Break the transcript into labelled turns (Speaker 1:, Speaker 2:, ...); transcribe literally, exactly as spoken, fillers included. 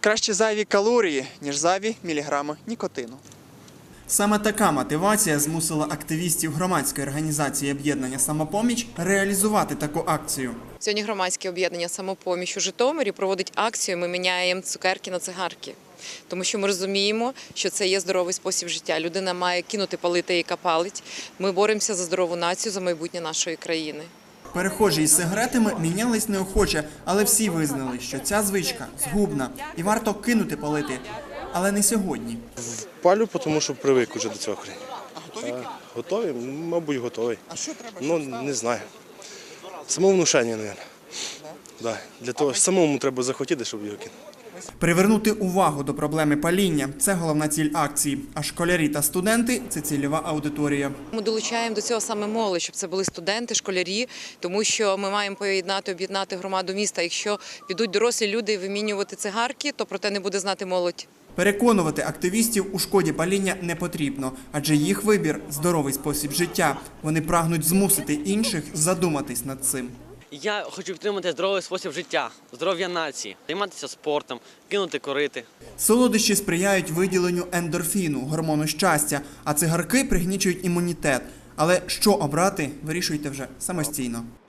Speaker 1: Краще зайві калорії, ніж зайві міліграми нікотину. Саме така мотивація змусила активістів громадської організації «Об'єднання Самопоміч» реалізувати таку акцію.
Speaker 2: Сьогодні громадське об'єднання «Самопоміч» у Житомирі проводить акцію «Ми міняємо цукерки на цигарки». Тому що ми розуміємо, що це є здоровий спосіб життя. Людина має кинути палити, яка палить. Ми боремося за здорову націю, за майбутнє нашої країни.
Speaker 1: Перехожі із сигаретами мінялись неохоче, але всі визнали, що ця звичка згубна і варто кинути палити. Але не сьогодні.
Speaker 3: Палю, тому що привик уже до цього.
Speaker 1: А готові?
Speaker 3: А, готові? Мабуть, готовий.
Speaker 1: А що треба?
Speaker 3: Ну, не знаю. Самовнушення, мабуть. Да. Для того, самому треба захотіти, щоб його кинути.
Speaker 1: Привернути увагу до проблеми паління – це головна ціль акції. А школярі та студенти – це цільова аудиторія.
Speaker 2: Ми долучаємо до цього саме молодь, щоб це були студенти, школярі, тому що ми маємо поєднати, об'єднати громаду міста. Якщо підуть дорослі люди вимінювати цигарки, то про те не буде знати молодь.
Speaker 1: Переконувати активістів у шкоді паління не потрібно, адже їх вибір – здоровий спосіб життя. Вони прагнуть змусити інших задуматись над цим.
Speaker 4: Я хочу підтримати здоровий спосіб життя, здоров'я нації, займатися спортом, кинути курити.
Speaker 1: Солодощі сприяють виділенню ендорфіну, гормону щастя, а цигарки пригнічують імунітет. Але що обрати, вирішуйте вже самостійно.